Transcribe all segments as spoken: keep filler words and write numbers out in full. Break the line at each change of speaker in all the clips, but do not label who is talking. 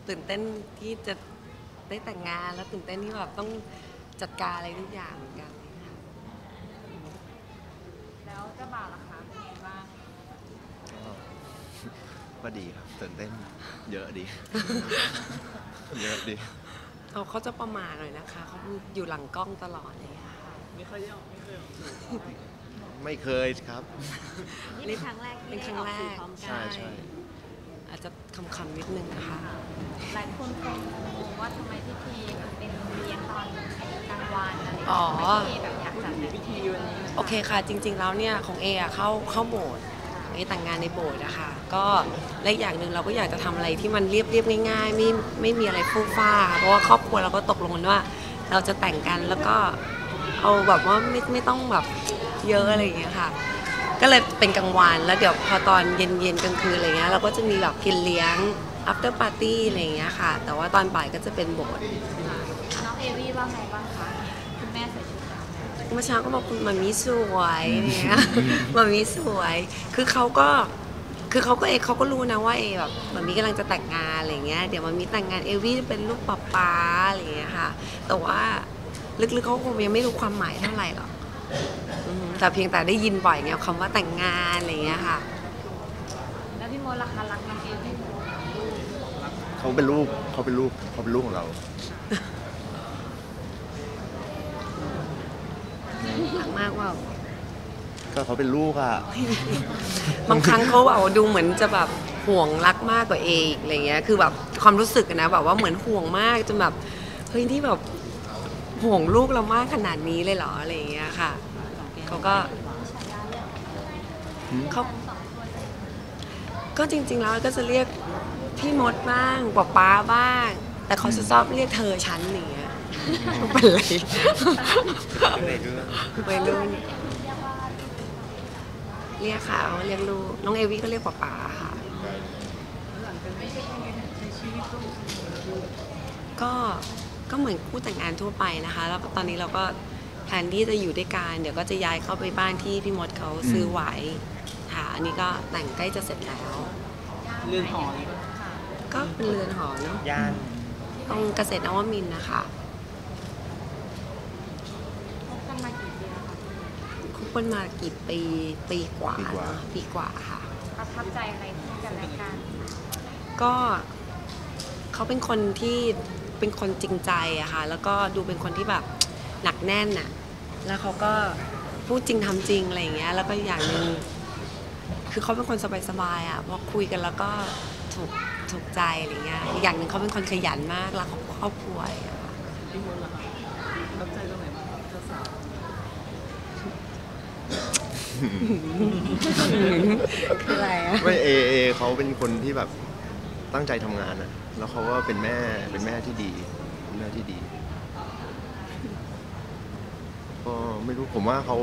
ตื่นเต้นที่จะได้แต่งงานแล้วตื่นเต้นที่แบบต้องจัดการอะไรทุกอย่างเหมือนกัน
แล้วเจ้าบ่าวล่ะคะเป็นไงบ้าง
ก็ดีครับตื่นเต้นเยอะดี เยอะดี
เขาเขาจะประมาทหน่อยนะคะเขาอยู่หลังกล้องตลอดเลยค่ะ
ไม่เคยออกไม่เคยออก
ไม่เคยครับ
นี่เป็นครั้งแรกที่ได้ออกสื่อพร้อมกัน
ใช่ใช่
อาจจะคำๆนิดนึงนะคะ
หลายคนคงงงว่าทำไมพิธีเป็นเลี้ยงตอนกลางวันอะไรอย่าง
อ๋อ
เงี้ยทำไมพิธีแบบอยากจัดเป็นพิธีวันนี้
โอเคค่ะจริงๆแล้วเนี่ยของเออะเข้าเข้าโบสถ์เอแต่งงานในโบสถ์อะค่ะก็และอย่างหนึ่งเราก็อยากจะทำอะไรที่มันเรียบเรียบง่ายๆไม่ไม่มีอะไรฟู่ฟ้าเพราะว่าครอบครัวเราก็ตกลงกันว่า เราจะแต่งกันแล้วก็เอาแบบว่าไม่ไม่ต้องแบบเยอะอะไรอย่างเงี้ยค่ะก็เลยเป็นกลางวันแล้วเดี๋ยวพอตอนเย็นๆกลางคืนอะไรเงี้ยเราก็จะมีแบบกินเลี้ยง after party อะไรอย่างเงี้ยค่ะแต่ว่าตอนบ่ายก็จะเป็นโบสถ์
น้องเอวี่ว่าไงบ้างคะคุณแม่ใส่ชุดดำ
เมื่อเช้าก็บอกคุณมามีสวยเนี่ยมามีสวย คือเขาก็คือเขาก็เอเขาก็รู้นะว่าเอแบบมามีกำลังจะแต่งงานอะไรเงี้ยเดี๋ยวมามีแต่งงานเอวี่จะเป็นลูกป๊าป๊าอะไรเงี้ยค่ะแต่ว่าลึกๆเขาคงยังไม่รู้ความหมายเท่าไหร่หรอกแต่เพียงแต่ได้ยินบ่อยไงคำว่าแต่งงานอะไรเงี้ยค่ะ
แล้วพี่โมล่ะคะรักน้องเอวี่
เขาเป็นลูกเขาเป็นลูกเขาเป็นลูกของเรา
หลังมากว่า
ก็เขาเป็นลูกอะ
บางครั้งเขาแบบดูเหมือนจะแบบห่วงรักมากกว่าเออีกอะไรเงี้ยคือแบบความรู้สึกนะแบบว่าเหมือนห่วงมากจนแบบเฮ้ยที่แบบห่วงลูกเรามากขนาดนี้เลยเหรออะไรเงี้ยค่ะเขาก็เขาก็จริงๆแล้วก็จะเรียกพี่มดบ้างป๊าป๊าบ้างแต่เขาจะชอบเรียกเธอฉันอย่างเงี้ยเป็นไรวัยรุ่นเรียกค่ะเรียกลูกน้องเอวี่ก็เรียกป๊าป๊าค่ะก็ก็เหมือนคู่แต่งงานทั่วไปนะคะแล้วตอนนี้เราก็แผนที่จะอยู่ด้วยกันเดี๋ยวก็จะย้ายเข้าไปบ้านที่พี่มดเขาซื้อไว้ค่ะอันนี้ก็แต่งใกล้จะเสร็จแล้ว
เรือนหอ
ก็เป็นเรือนหอเนาะ
ย่าน
ตรงเกษตรนวมินทร์นะคะ
คบกันมากี่ปีแล้วคะ
คบกันมากี่ปีปีกว่าปีกว่าค่ะ
ประทับใจอะไรที่กันและกัน
ก็เขาเป็นคนที่เป็นคนจริงใจอะค่ะแล้วก็ดูเป็นคนที่แบบหนักแน่นอะแล้วเขาก็พูดจริงทำจริงอะไรอย่างเงี้ยแล้วก็อย่างหนึ่งคือเขาเป็นคนสบายๆอะพอคุยกันแล้วก็ถูกถูกใจอะไรเงี้ยอีกอย่างหนึ่งเขาเป็นคนขยันมากรักครอบครัวอะค่ะ
พี่มดล่ะครับประทับใจตรงไหนบ้างเจ้าสาว
คืออะไรอะ
ไม่เอเอเขาเป็นคนที่แบบตั้งใจทำงานอะแล้วเขาก็เป็นแม่เป็นแม่ที่ดีเป็นแม่ที่ดีก็ไม่รู้ผมว่าเขา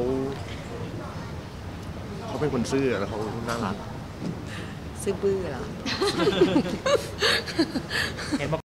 เขาเป็นคนซื่อแล้วเขาน่ารัก
ซื่อบื้อเหรอ
เห็นบอก